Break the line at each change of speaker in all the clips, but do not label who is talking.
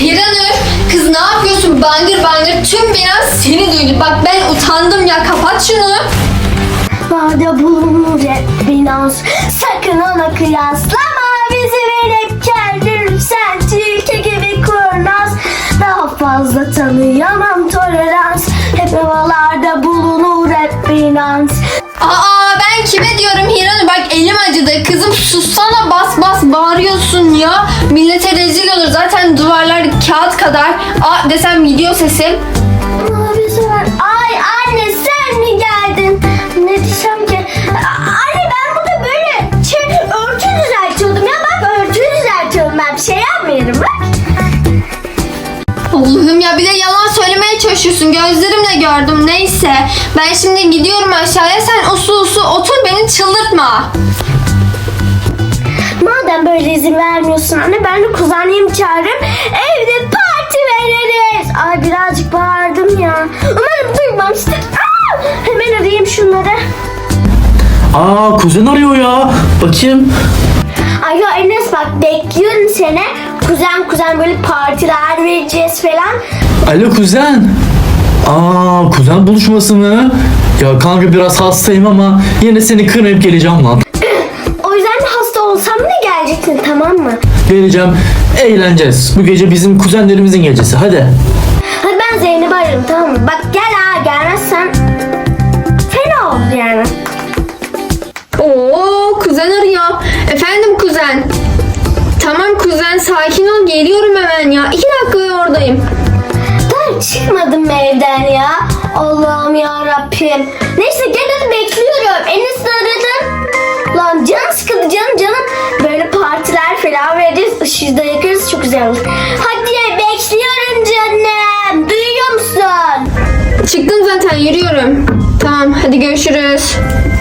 Hiranur, kız ne yapıyorsun? Bangır bangır tüm bina seni duydu. Bak ben utandım ya, kapat şunu.
Varda bulunur hep binans. Sakın ona kıyaslama. Bizi verip kendin sen tilki gibi kurnaz. Daha fazla tanıyamam tolerans. Hep havalarda bulunur hep binans.
Aa, ben kime diyorum Hiranur? Bak elim acıdı. Kızım sussana, bas bas bağırıyorsun ya. Millete rezil olur. Zaten duvarlar kağıt kadar. Aa desem gidiyor sesim.
Abi sen... Ay anne sen mi geldin? Ne diyeceğim ki? Anne ben burada böyle örtü düzeltiyordum ya. Bak örtü düzeltiyorum ben. Bir şey yapmıyorum bak.
Allah'ım ya, bir de yalan söylemeye çalışıyorsun. Gözlerimle gördüm. Neyse. Ben şimdi gidiyorum aşağıya. Sen usul otur, beni çıldırtma.
Madem böyle izin vermiyorsun anne ben de kuzenlerimi çağırırım. Evde parti veririz. Ay birazcık bağırdım ya. Umarım duymamıştır. Hemen arayayım şunları.
Aa, kuzen arıyor ya. Bakayım.
Ay ya Enes bak bekliyorum seni. Kuzen böyle partiler vereceğiz falan.
Alo kuzen. Aa, kuzen buluşması mı? Ya kanka biraz hastayım ama yine seni kırmayıp geleceğim lan.
O yüzden de hasta olsam da geleceksin tamam mı?
Geleceğim. Eğleneceğiz. Bu gece bizim kuzenlerimizin gecesi. Hadi.
Hadi ben Zeynep'i ararım tamam mı? Bak gel gelmezsen fena olur yani.
Oo, kuzen arıyor. Efendim kuzen. Tamam kuzen, sakin ol, geliyorum hemen ya. 2 dakika oradayım.
Ben çıkmadım evden ya. Allah'ım ya Rabbim. Neyse gel hadi bekliyorum. Enes'i aradım. Lan canım sıkıldı canım. Böyle partiler falan veririz. Işığı da yakarız çok güzel olur. Hadi bekliyorum canım. Duyuyor musun?
Çıktım zaten, yürüyorum. Tamam, hadi görüşürüz.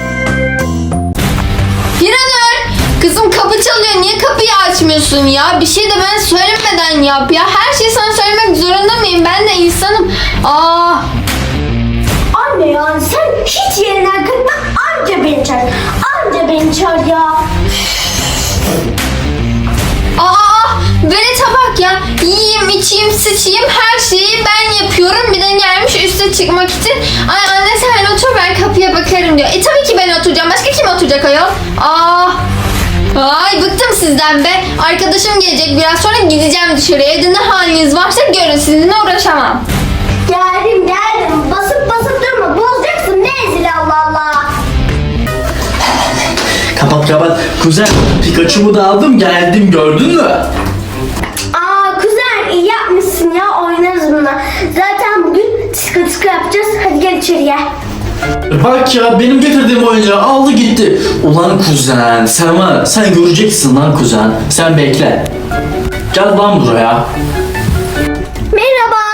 Hiranur, kızım kapı çalıyor. Niye kapıyı açmıyorsun ya? Bir şey de ben söylemeden yap ya. Her şeyi sana söylemek zorunda mıyım? Ben de insanım. Aa.
Anne ya sen hiç yerinden kalkma. Anca beni çağır ya.
Aa, velete bak ya. Yiyeyim, içeyim, sıçayım, her şeyi ben yapıyorum. Bir de gelmiş üste çıkmak için. Ay anne sen otur, ben kapıya bakarım diyor. Tabii ki ben oturacağım. Başka kim oturacak ayol? Aa. Ay bıktım sizden be. Arkadaşım gelecek, biraz sonra gideceğim dışarıya. Evde ne haliniz varsa görün, sizinle uğraşamam.
Geldim. Basıp durma. Bozacaksın ne ezil Allah Allah.
Kapat. Kuzen, Pikachu'mu da aldım geldim, gördün mü?
Aa kuzen iyi yapmışsın ya oynarız buna. Zaten bugün tıkı yapacağız. Hadi gel içeri gel.
Bak ya, benim getirdiğim oyuncağı aldı gitti. Ulan kuzen, sen göreceksin lan kuzen. Sen bekle. Gel lan buraya.
Merhaba.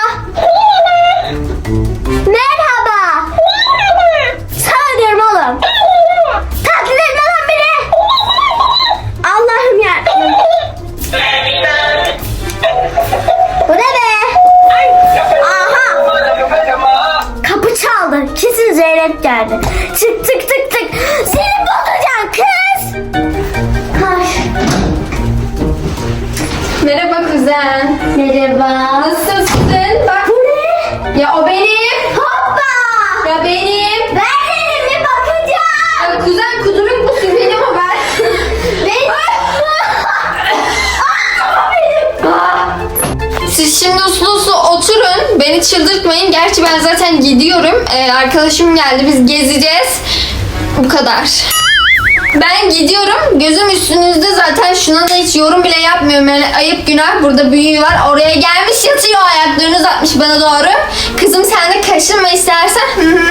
Merhaba. Sana diyorum oğlum. Taklit etme lan beni. Allah'ım ya. Bu ne be? Aha. Kapı çaldı. Kesin Zeynep geldi. Tık. Seni bulacağım kız. Ay.
Merhaba kuzen.
Merhaba.
Nasılsın? Bak.
Bu ne?
Ya o benim.
Hoppa.
Ya benim.
Ver elimi bakacağım.
Ya kuzen, kuduruk musun? Benim o, ben.
Benim.
Siz şimdi uslu oturun. Beni çıldırtmayın. Gerçi ben zaten gidiyorum. Arkadaşım geldi. Biz gezeceğiz. Bu kadar. Ben gidiyorum. Gözüm üstünüzde zaten. Şuna da hiç yorum bile yapmıyorum. Yani ayıp günah. Burada büyüğü var. Oraya gelmiş yatıyor. Ayaklarını uzatmış bana doğru. Kızım sen de kaşınma istersen.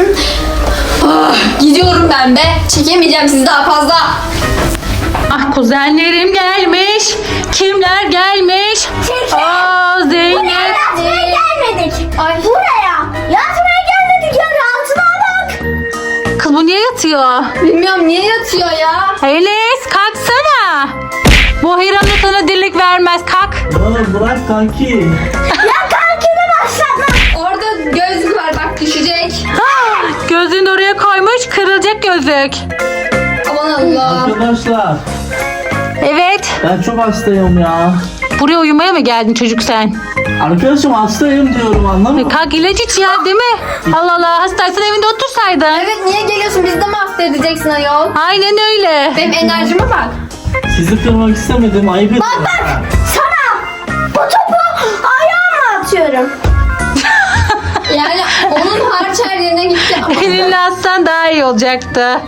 Gidiyorum ben be. Çekemeyeceğim sizi daha fazla.
Ah kuzenlerim gelmiş. Kimler gelmiş? Aa Zeynep.
Yatmaya gelmedik.
Ay.
Buraya. Yatmaya gelmedik ya. Rahatına bak.
Kız bu niye yatıyor?
Bilmiyorum niye yatıyor ya.
Enes kalksana. Bu Hiranur sana dirlik vermez, kalk.
Ya bırak kanki.
Ya kankini başlatma.
Orada gözlük var bak, düşecek.
Gözünü oraya koymuş, kırılacak gözlük.
Aman Allah.
Arkadaşlar,
Evet.
ben çok hastayım ya.
Buraya uyumaya mı geldin çocuk sen?
Arkadaşım hastayım diyorum anlamıyor.
Kalk ilaç iç ya değil mi? Allah Allah hastaysan evinde otursaydın.
Evet niye geliyorsun? Bizi de mi hasta edeceksin ayol?
Aynen öyle.
Benim enerjime bak.
Sizi kırmak istemedim. Ayıp ettim.
Bak sana bu topu ayağıma atıyorum.
Yani onun harç her yerine gitti.
Elinle atsan daha iyi olacaktı.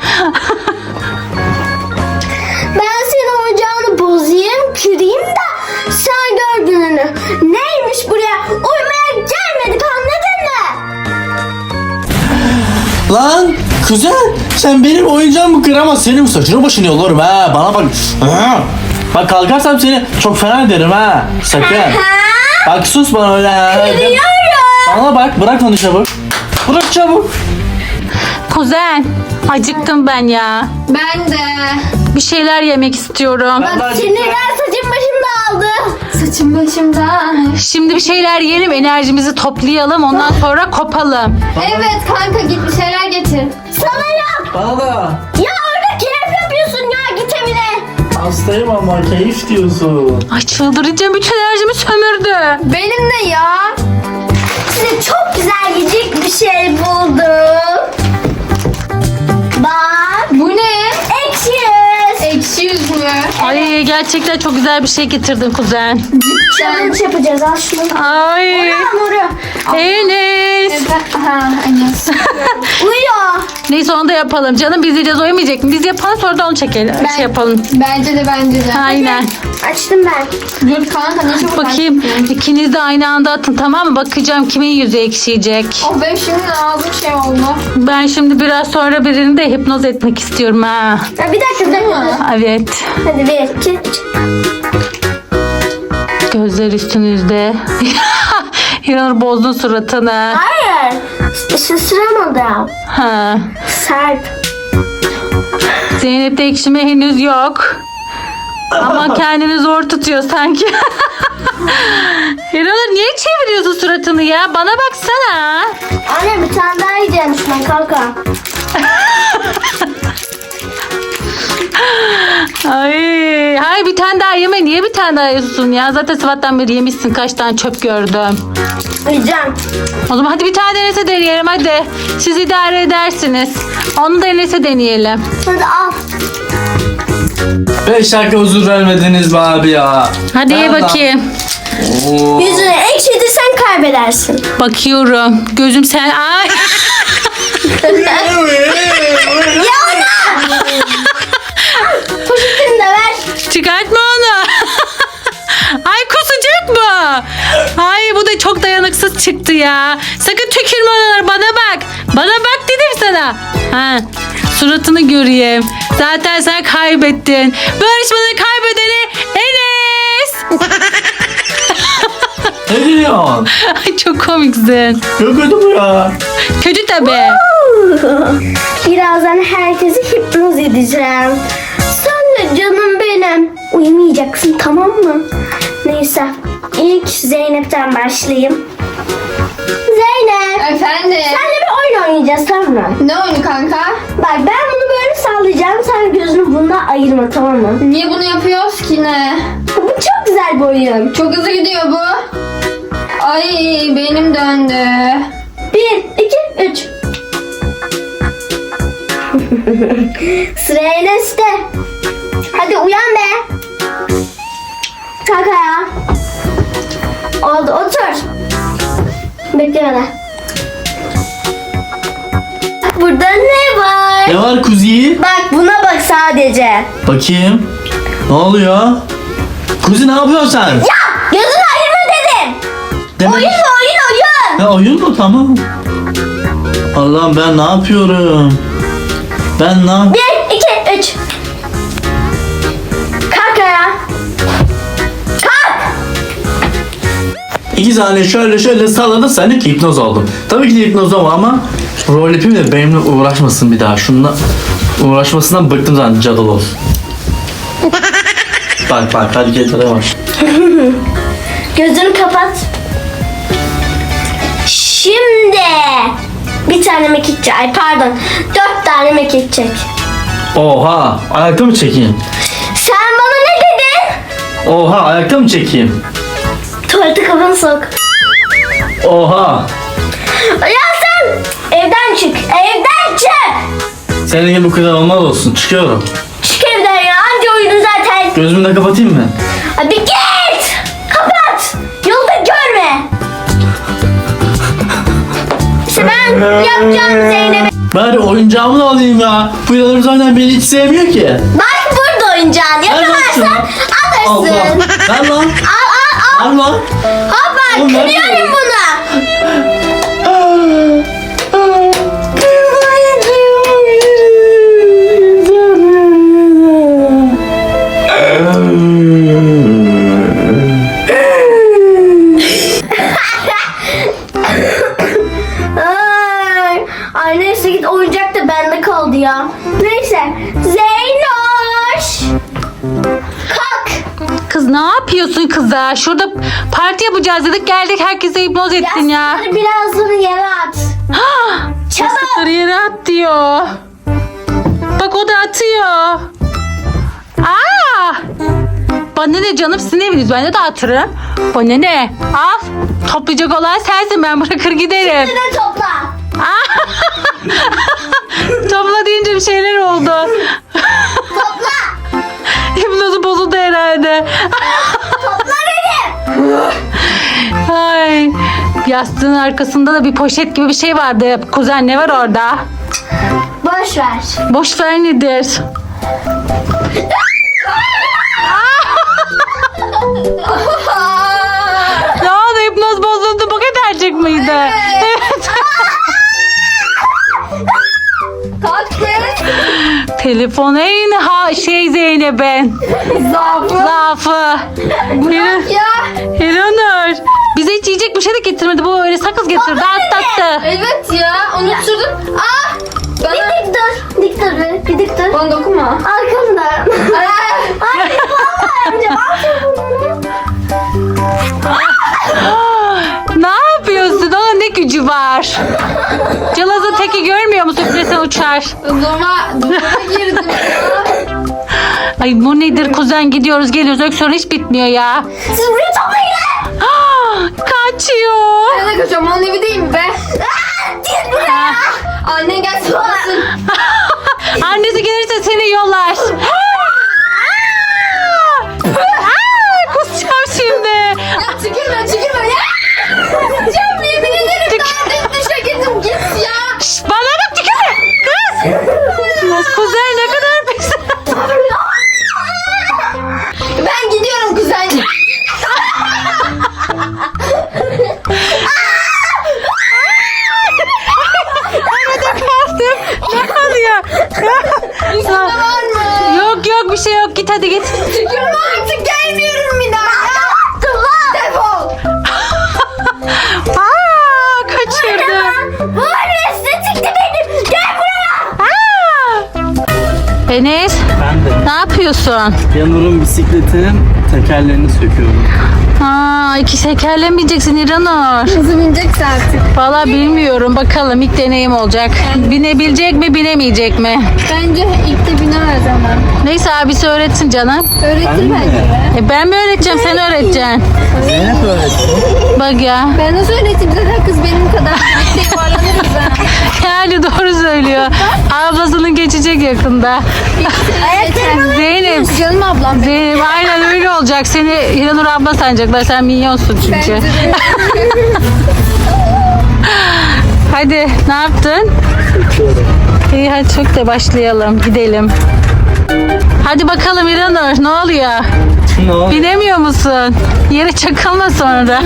Ben senin oyuncağını bozayım, kırayım da sen gör gününü. Neymiş buraya? Uyumaya gelmedik anladın mı?
Lan kuzen sen benim oyuncağımı kıramaz. Senin saçını başını yollarım ha. Bana bak. Ha. Bak kalkarsam seni çok fena ederim ha. Sakın. Bak sus bana öyle ha.
Biliyorum.
Bana bak bırak onu çabuk. Bırak çabuk.
Kuzen acıktım ben ya.
Ben de.
Bir şeyler yemek istiyorum.
Ben de
Sinirler saçım başım dağıldı.
Saçım başımda.
Şimdi bir şeyler yiyelim enerjimizi toplayalım ondan sonra kopalım.
Evet kanka git bir şeyler getir.
Sana yap.
Bana da.
Ya orada keyif yapıyorsun ya git evine.
Hastayım ama keyif diyorsun.
Ay çıldıracağım bütün enerjimi sömürdü.
Benim de ya.
Size çok güzel yiyecek bir şey buldum. Bak.
Bu ne?
Ekşi yüz.
Ekşi yüz mü?
Ay gerçekten çok güzel bir şey getirdin kuzen.
Challenge yapacağız al şunu.
Ay
Hamuru.
Enes.
Ha Enes.
Uyuyor.
Neyse onu da yapalım canım biz yiyeceğiz uyumayacak mı? Biz yapalım sonra da onu çekelim. Şey yapalım.
Bence de bence de.
Aynen.
Açtım ben.
Dur kanka ne çabuk
Bakayım
açtın.
ikiniz de aynı anda atın tamam mı? Bakacağım kimin yüzü ekşiyecek.
Oh benim şimdi ağzım şey oldu.
Ben şimdi biraz sonra birini de hipnoz etmek istiyorum ha.
Ha, bir dakika bir dakika.
Evet.
Hadi bir iki üç.
Gözler üstünüzde. İnanır bozdun suratını.
Hayır. Şaşıramadım.
Ha.
Serp.
Zeynep'te ekşime henüz yok. Ama kendini zor tutuyor sanki. İnanır niye çeviriyorsun suratını ya? Bana baksana.
Anne bir tane daha yiyeceğim şuna kanka.
Ay bir tane daha yeme. Niye bir tane daha yiyorsun ya? Zaten sabahtan beri yemişsin. Kaç tane çöp gördüm.
Yiyeceğim.
O zaman hadi bir tane Enes'e deneyelim hadi. Siz idare edersiniz. Onu da Enes'e deneyelim.
Hadi al.
5 dakika huzur vermediniz be abi ya.
Hadi ye
Ben de-
bakayım.
Oo.
Yüzünü ekşitirsen kaybedersin.
Bakıyorum. Gözüm sen... Ay.
Poşetini de ver.
Çıkartma onu. Ay kusacak mı? Ay bu da çok dayanıksız çıktı ya. Sakın tükürme oralara bana bak. Bana bak dedim sana. Ha, suratını göreyim. Zaten sen kaybettin. Bu yarışmanın kaybedeni Enes.
Ne diyorsun?
Ay çok komiksin.
Çok kötü bu ya.
Kötü tabii.
Birazdan herkesi hipnoz edeceğim. Sen de canım benim. Uyumayacaksın tamam mı? Neyse. İlk Zeynep'ten başlayayım. Zeynep.
Efendim.
Senle bir oyun oynayacağız tamam mı?
Ne oyunu kanka?
Bak ben bunu böyle sallayacağım. Sen gözünü bununla ayırma tamam mı?
Niye bunu yapıyoruz ki ne?
Bu çok güzel bir oyun.
Çok hızlı gidiyor bu. Ay benim döndü.
1, 2, 3. Sıra Enes'te. Hadi uyan be. Kalk ayağa. Oldu otur. Bekle bana. Burada ne var?
Ne var kuzi?
Bak buna bak sadece.
Bakayım. Ne oluyor? Kuzi ne yapıyorsun sen?
Ya gözünü ayırma dedim.
Demek...
Oyun oyun.
Ya oyun mu tamam. Allah'ım ben ne yapıyorum? Ben ne yap...
1, 2, 3. Kalk ayağa. Kalk.
2 saniye şöyle salladım sen de ki hipnoz oldum. Tabii ki de hipnoz olma ama rol yapayım da benimle uğraşmasın bir daha. Şununla uğraşmasından bıktım zaten cadılı olsun. bak hareketlere bak.
Gözünü kapat. Şimdi bir tane mekik çek. Ay pardon. 4 tane mekik çek.
Oha ayakta mı çekeyim?
Sen bana ne dedin?
Oha ayakta mı çekeyim?
Tuvalete kafanı sok.
Oha.
Ya sen evden çık. Evden çık.
Senin gibi kuzen olmaz olsun. Çıkıyorum.
Çık evden ya. Anca oyunu zaten.
Gözümü de kapatayım mı?
Hadi git. Kapat. Yolda görme. İşte ben yapacağım Zeynep'e.
Bari oyuncağımı da alayım ya. Bu yanım zaten beni hiç sevmiyor ki.
Bak burada oyuncağın. Yakamazsan
Allah.
alırsın.
Ver lan.
Al.
Ver lan.
Hoppa
Oğlum, nerede?
kırıyorum bunu. Ay neyse git oyuncak da bende kaldı ya. Neyse. Zeynoş. Kalk.
Kız ne yapıyorsun kıza? Şurada parti yapacağız dedik geldik herkese hipnoz ettin ya.
Yastıkları birazını yere at. Çabuk.
Yastıkları yere at diyor. Bak o da atıyor. Aa! Bana ne canım sizin eviniz ben de dağıtırım. Bana ne? Al. Toplayacak olan sensin ben bırakır giderim.
Bir de topla.
Topla deyince bir şeyler oldu.
Topla.
Hipnozu bozuldu herhalde.
Topla dedim.
Ay. Yastığın arkasında da bir poşet gibi bir şey vardı. Kuzen ne var orada?
Boş ver.
Boş ver nedir? Ne oldu hipnoz bozuldu bu kadarcık mıydı? Evet.
Kalk kız.
Telefon en Zeynep'in. Zaafı.
Ya.
Hiranur. Bize hiç yiyecek bir şey de getirmedi. Bu öyle sakız getirdi. Atlattı.
Evet ya. Unuturdum. Ah.
Bir
Bana.
dik dur. Dik dur be. Bir dik dur.
Bana dokunma.
Arkamda.
Ah.
Ay vallahi amca. Al telefonunu.
Ne yapıyorsun? Onun ne gücü var? Calaz'ın teki görmüyor musun? Üflesen uçar.
Durma girdim ya.
Ay bu nedir kuzen gidiyoruz geliyoruz öksürüğün hiç bitmiyor ya.
Siz buraya toplayın.
Kaçıyor.
Ben de kaçıyorum. Onun evi değil mi be?
Gel buraya.
Annen gelsin olsun.
Annesi gelirse seni yollar. Kusacağım şimdi.
Ya tükürme ya. Kusacağım yemin ederim. Daha dışa girdim git ya.
Şşt, bana bak tükürme. Kız. Kuzen ne kadar pis.
Ben gidiyorum kuzen.
Ne oluyor?
Var mı?
Yok bir şey yok git hadi git.
Tükürme artık gelmiyorum bir daha. Defol.
Kaçırdı.
Bu arada çıktı benim. Gel buraya.
Enes
Ben de.
ne yapıyorsun?
Yanur'un bisikletinin tekerlerini söküyorum.
İki tekerlemeyeceksin İranur.
Nasıl bineceksin artık?
Valla bilmiyorum bakalım ilk deneyim olacak. Binebilecek mi binemeyecek mi?
Bence ilk de binemez ama.
Neyse abisi öğretsin canım.
Öğretir
Ben
bence
de.
be.
Ben mi öğreteceğim sen öğreteceksin.
Zeynep öğretti.
Bak ya.
Ben nasıl öğreteyim zaten kız benim kadar. Birlikte yuvarlanırız ha.
Yani doğru söylüyor. Ablasının geçecek yakında.
Ayaklarım
Zeynep.
Canım ablam.
Zeynep aynen öyle olacak. Seni İranur abla sanacaklar. Sen minyonsun çünkü.
Bence de.
Hadi ne yaptın? İyi hadi çok da başlayalım. Gidelim. Hadi bakalım İranur ne oluyor?
Ne oldu?
Binemiyor musun? Yere çakılma sonra.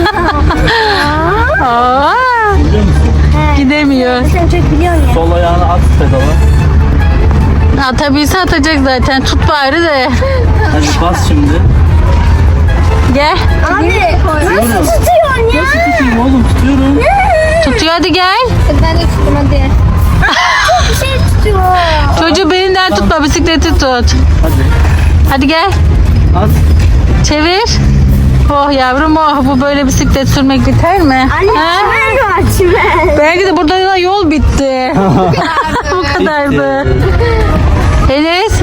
Aa,
Biliyor musun?
gidemiyor.
Sen çok biliyorsun ya.
Sol ayağını at pedala.
Atabilse atacak zaten. Tut bari de.
Hadi bas şimdi.
Gel.
Abi nasıl tutuyorsun ya?
Nasıl tutayım oğlum tutuyorum.
Tutuyor hadi gel.
Hadi ben de tuttum hadi.
Bir şey tutuyor.
Çocuğu belinden tutma bisikleti tut.
Hadi.
Hadi gel.
At.
Çevir. Oh yavrum oh bu böyle bisiklet sürmek biter mi?
Anne
Ha?
çimen var çimen.
Belki de burada da yol bitti. Bu kadardı. Enes.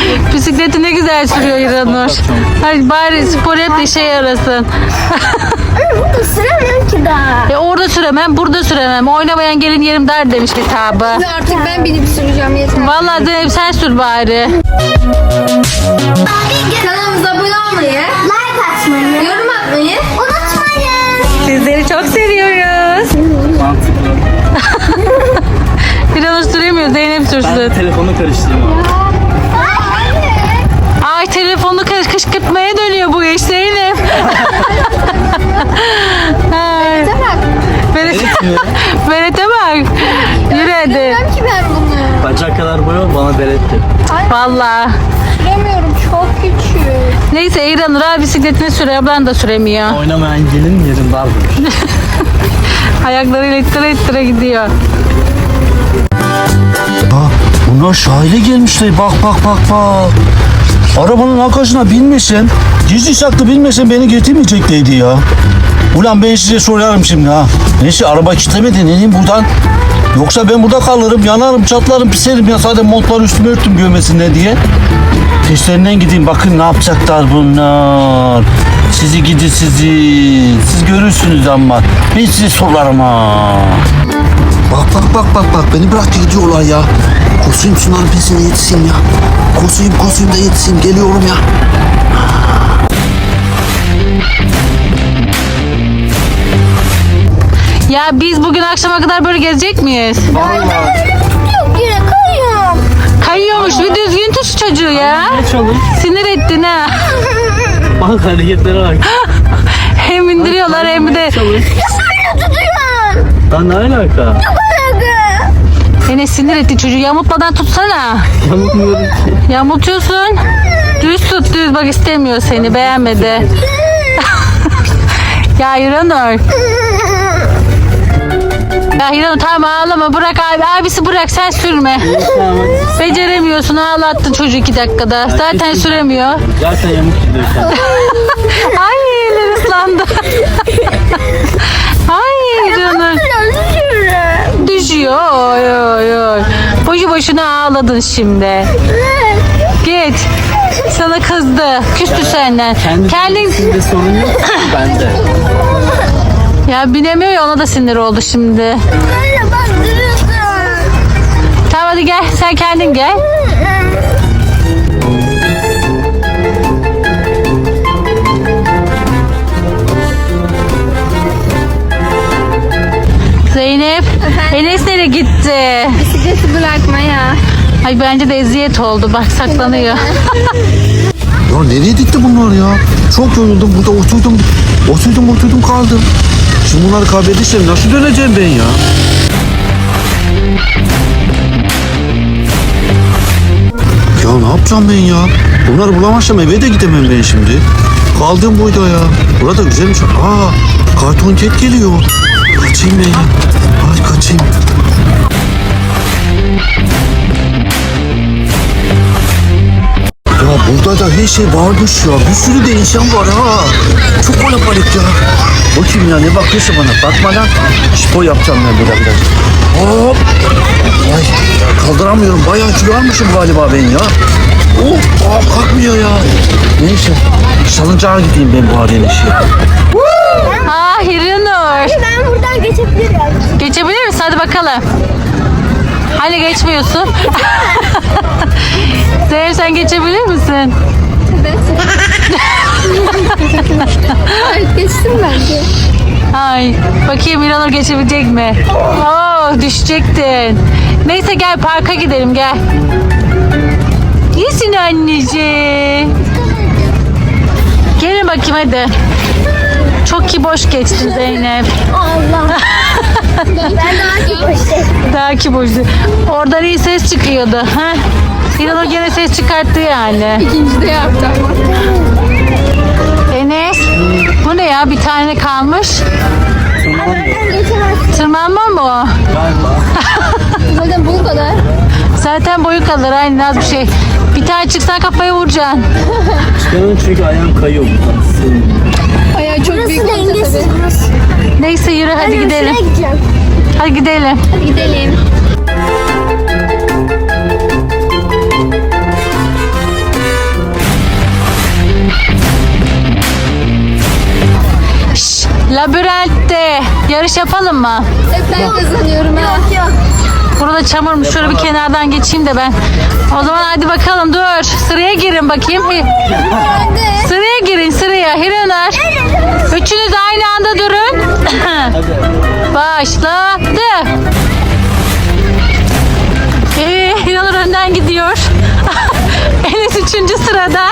Bisikleti ne güzel sürüyor İranur. Hadi bari spor yap da işe yarasın.
Burada süremem ki daha.
Orada süremem, burada süremem. Oynamayan gelin yerim der demiş hesabı.
Artık ben binip süreceğim yeter.
Vallahi Zeynep sen sür bari.
Kanalımıza abone olmayı,
Like atmayı
yorum atmayı
unutmayın.
Sizleri çok seviyoruz.
Mantıklı.
Biraz süremiyor, Zeynep sürsün.
Ben telefonu karıştırıyorum.
Ay telefonu kışkırtmaya dönüyor bu iş Zeynep. Ay.
bak.
Beret'e bak. Yürü hadi.
Bilmem ki ben bunu.
Bacak kadar boyu bana beletti.
Vallahi.
Süremiyorum, çok küçük.
Neyse İranur abi bisikletini sürüyor, ablan da süremiyor.
Oynamayan gelin yerin dardır.
Ayaklarıyla ittire ittire gidiyor.
Bunlar sahile gelmişler. Bak. Arabanın arkasına binmesem, gizli saklı binmesem beni getirmeyeceklerdi ya. Ulan ben size sorarım şimdi ha. Neyse araba kilitlemedi, ne diyeyim buradan. Yoksa ben burada kalırım, yanarım, çatlarım, piserim ya. Sadece montları üstüme örttüm görmesinler diye. Peşlerinden gideyim, bakın ne yapacaklar bunlar. Sizi gidi sizi. Siz görürsünüz ama. Ben size sorarım ha. Bak. Beni bırak gidiyorlar ya. Koşayım şunların pesine yetişeyim ya. Koşayım da yetişeyim. Geliyorum ya.
Ya biz bugün akşama kadar böyle gezecek miyiz?
Yok yine kayıyorum.
Kayıyormuş, bir düzgün tut şu çocuğu ya.
Çalış.
Sinir ettin ha.
Bak hareketlere bak.
Hem indiriyorlar hem de.
Çalış.
Tutuyorum.
Lan ne alaka?
Seni sinir etti çocuğu, yamultmadan tutsana.
Yamukmuyorum ki.
Yamultuyorsun. Düz tut düz, bak istemiyor seni, beğenmedi. Ya İranur. Ya İranur tamam ağlama, bırak abisi bırak, sen sürme.
Tamam hadi.
Beceremiyorsun, ağlattın çocuğu 2 dakikada. Zaten süremiyor.
Zaten yamuk gidiyorsun.
Ay eller ıslandı. Ay İranur. Düşüyor. Oy. Boşu boşuna ağladın şimdi. Git. Sana kızdı. Küstü senden. Kendin
Sizde sorun yok. Bende.
ya binemiyor ya, ona da sinir oldu şimdi.
Böyle bak duruyorsun.
Tamam hadi gel, sen kendin gel. Zeynep, Enes nereye gitti?
Bisikleti bırakmaya.
Ay bence de eziyet oldu, bak saklanıyor.
Ya nereye gitti bunlar ya? Çok yoruldum. Burada oturdum kaldım. Şimdi bunları kaybedersem nasıl döneceğim ben ya? Ya ne yapacağım ben ya? Bunları bulamazsam eve de gidemem ben şimdi. Kaldım burada ya. Burada güzelmiş. Karton ket geliyor. Kaçayım ben ya. Ay kaçayım. Ya burada da her şey varmış ya. Bir sürü de insan var ha. Çok kalabalık ya. Bakayım ya, ne bakıyorsa bana. Bakma lan. Spor yapacağım ben burada biraz. Hop. Ay kaldıramıyorum. Bayağı kilo almışım galiba ben ya. Kalkmıyor ya. Neyse. Salıncağa gideyim ben bu halin işi.
Ah İranur.
Ben buradan geçebilirim.
Geçebilir misin? Hadi bakalım. Hani geçmiyorsun? Zeynep sen geçebilir misin?
Ay geçtim bence.
Ay bakayım İranur geçebilecek mi? Oo düşecektin. Neyse gel parka gidelim gel. İyisin anneciğim. Gelin bakayım hadi. Çok ki boş geçtin Zeynep.
Allah. Ben daha gitmiştim.
Daha ki boştu. Oradan iyi ses çıkıyordu. Ha? İranur gene ses çıkarttı yani.
İkinci de yaptım.
Enes bu ne ya, bir tane kalmış. Tırmanma mı o?
Zaten bu kadar.
Zaten boyu kalır aynı, az bir şey. Bir tane çıksan kafaya vuracaksın.
Çıkarın çünkü ayağım kayıyor buradan.
Ayağı çok büyük
Burası
olacak
dengesiz
tabii.
burası.
Neyse yürü hadi gidelim.
Şuraya gideceğim.
Hadi gidelim.
Hadi gidelim.
Şşş, Labirentte yarış yapalım mı?
Hep ben kazanıyorum ha.
Yok.
Burada çamurmuş. Şöyle bir kenardan geçeyim de ben. O zaman hadi bakalım dur. Sıraya girin bakayım. Sıraya girin sıraya. Hiranur. Üçünüz aynı anda durun. Başladı. Hiranur önden gidiyor. Enes 3. sırada.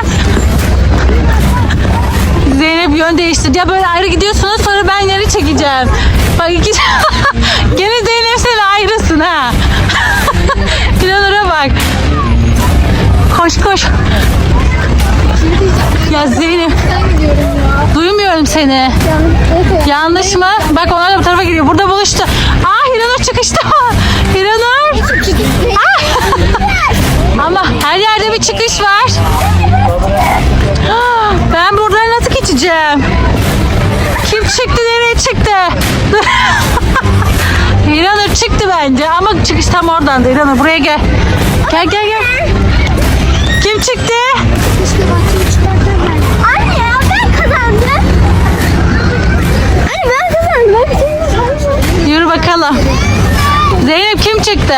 Zeynep yön değiştirdi. Ya böyle ayrı gidiyorsunuz sonra ben yeri çekeceğim. Bak gene Zeynep sen ayrısın ha. Hiranur'a bak. Koş koş. Ya Zeynep. Duymuyorum seni. Yanlış mı? Bak onlar da bu tarafa gidiyor. Burada buluştu. Hiranur çıkışta. Hiranur. Ama her yerde bir çıkış var. Ben buradan nasıl geçeceğim? Kim çıktı? Nereye çıktı? Hiranur çıktı bence ama çıkış tam oradan. Hiranur buraya gel. Gel. Kim çıktı?
Anne ya ben kazandım. Anne ben kazandım.
Yürü bakalım. Zeynep kim çıktı?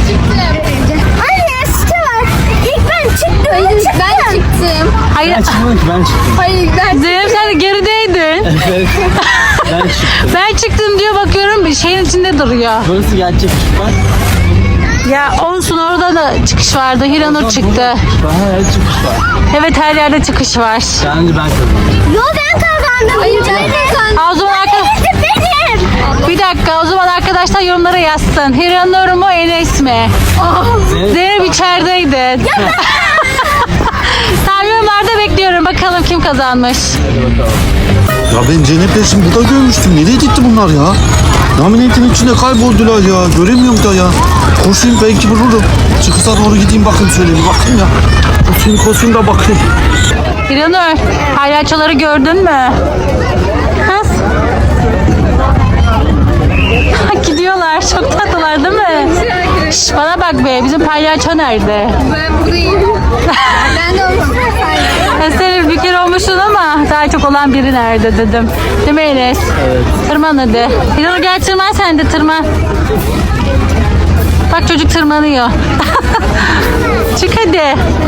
Anne sütü var. İlk ben çıktım.
Hayır ben çıktım.
Hayır.
Ben çıkmadım ki ben çıktım.
Hayır ben
Zeynep sen de gerideydin.
Evet. Ben çıktım.
Ben çıktım diyor bakıyorum bir şeyin içinde duruyor.
Burası gerçek bak.
Ya olsun orada da çıkış vardı. Hiranur çıktı.
Bana her çıkış var.
Evet her yerde çıkış var.
Bence ben kazandım.
Yo ben kazandım.
Hayır ben kazandım.
O zaman
Benim.
bir dakika o zaman arkadaşlar yorumlara yazsın. Hiranur mu Enes mi? Zeynep içerideydin. Tamam yorumlarda bekliyorum. Bakalım kim kazanmış.
Ya ben Zeynep'le şimdi burada görmüştüm. Nereye gitti bunlar ya? Laminetin içinde kayboldular ya. Göremiyorum da ya. Koşayım belki bulurum. Çıkışa doğru gideyim bakayım şöyle bir bakayım ya. Koşayım da bakayım.
Hiranur palyaçoları gördün mü? Kız. Gidiyorlar. Çok tatlılar değil mi? Şş, bana bak be bizim palyaço nerede?
Ben buradayım. Ben de olmam.
Sen bir kere olmuşsun ama daha çok olan biri nerede dedim. Değil mi Enes? Evet. Tırman hadi. Hiranur gel tırman sen de tırman. Bak çocuk tırmanıyor. Çık hadi.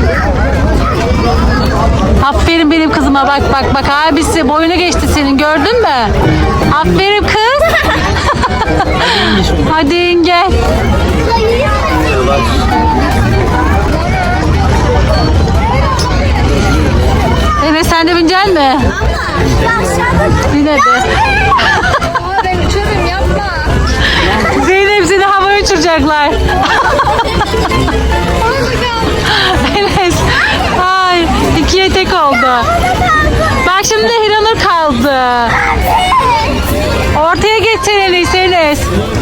Aferin benim kızıma bak abisi boyunu geçti senin gördün mü? Aferin kız. Hadi in gel. Evet sen de bineceksin mi? Bin hadi.
Ben uçarım yapma.
Zeynep seni havaya uçuracaklar. Enes. Ay 2'ye tek oldu. Bak şimdi Hiranur kaldı. Ortaya geç sen Enes.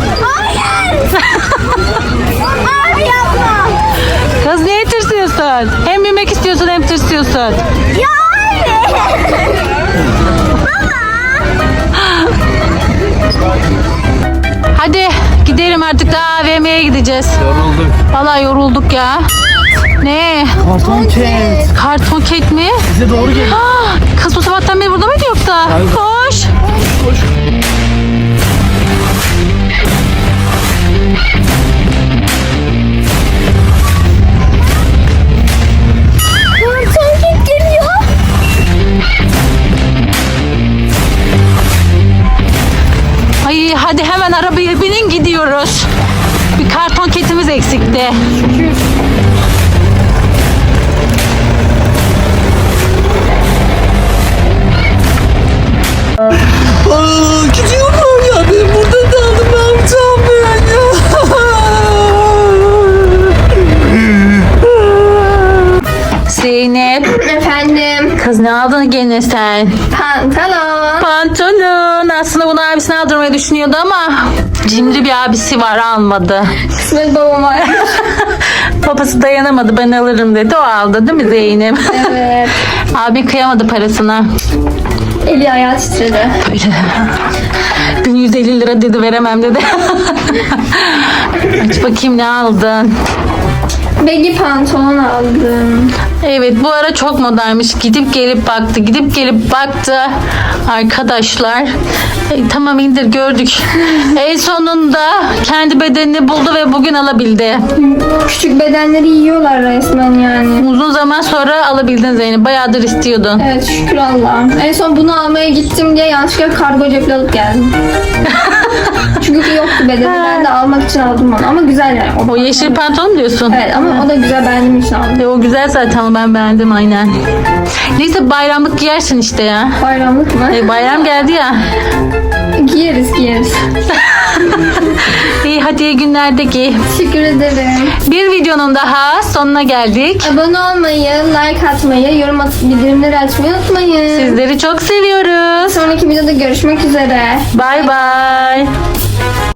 Abi yapma.
Kız niye tırsıyorsun? Hem binmek istiyorsun hem tırsıyorsun.
Ya abi.
Hadi gidelim artık daha AVM'ye gideceğiz.
Yorulduk.
Vallahi yorulduk ya. Ne?
Karton ket.
Karton ket mi?
Bize doğru gelin.
Kız bu sabahtan beri burada mıydı yoksa? Koş.
Karton geliyor.
Ay hadi hemen arabaya binin gidiyoruz. Bir karton ketimiz eksikti.
Gidiyorlar ya. Ben burada kaldım. Ne yapacağım ben ya?
Zeynep.
Efendim.
Kız ne aldın gene sen?
Pantolon.
Pantolon. Aslında bunu abisine aldırmayı düşünüyordu ama cimri bir abisi var almadı.
Kısmet babama.
Babası dayanamadı ben alırım dedi o aldı değil mi Zeynep?
Evet.
Abi kıyamadı parasına.
Eli ayağı titredi.
Böyle 1150 lira dedi veremem dedi. Aç bakayım ne aldın?
Baggy pantolon aldım.
Evet bu ara çok modaymış. Gidip gelip baktı. Arkadaşlar Tamam indir gördük. En sonunda kendi bedenini buldu ve bugün alabildi.
Küçük bedenleri yiyorlar resmen yani.
Uzun zaman sonra alabildin Zeynep. Bayağıdır istiyordun.
Evet şükür Allah'ım. En son bunu almaya gittim diye yanlışlıkla kargo ceple alıp geldim. Çünkü yoktu bedeni. Ben de almak için aldım onu. Ama güzel yani.
O yeşil pantolon mu diyorsun?
Evet ama o da güzel, beğendiğim için aldım.
O güzel zaten, ben beğendim aynen. Neyse bayramlık giyersin işte ya.
Bayramlık mı?
Bayram geldi ya.
Giyeriz.
İyi hadi iyi günlerde giy.
Teşekkür ederim.
Bir videonun daha sonuna geldik.
Abone olmayı, like atmayı, yorum atıp bildirimleri açmayı unutmayın.
Sizleri çok seviyoruz.
Sonraki videoda görüşmek üzere.
Bay bay.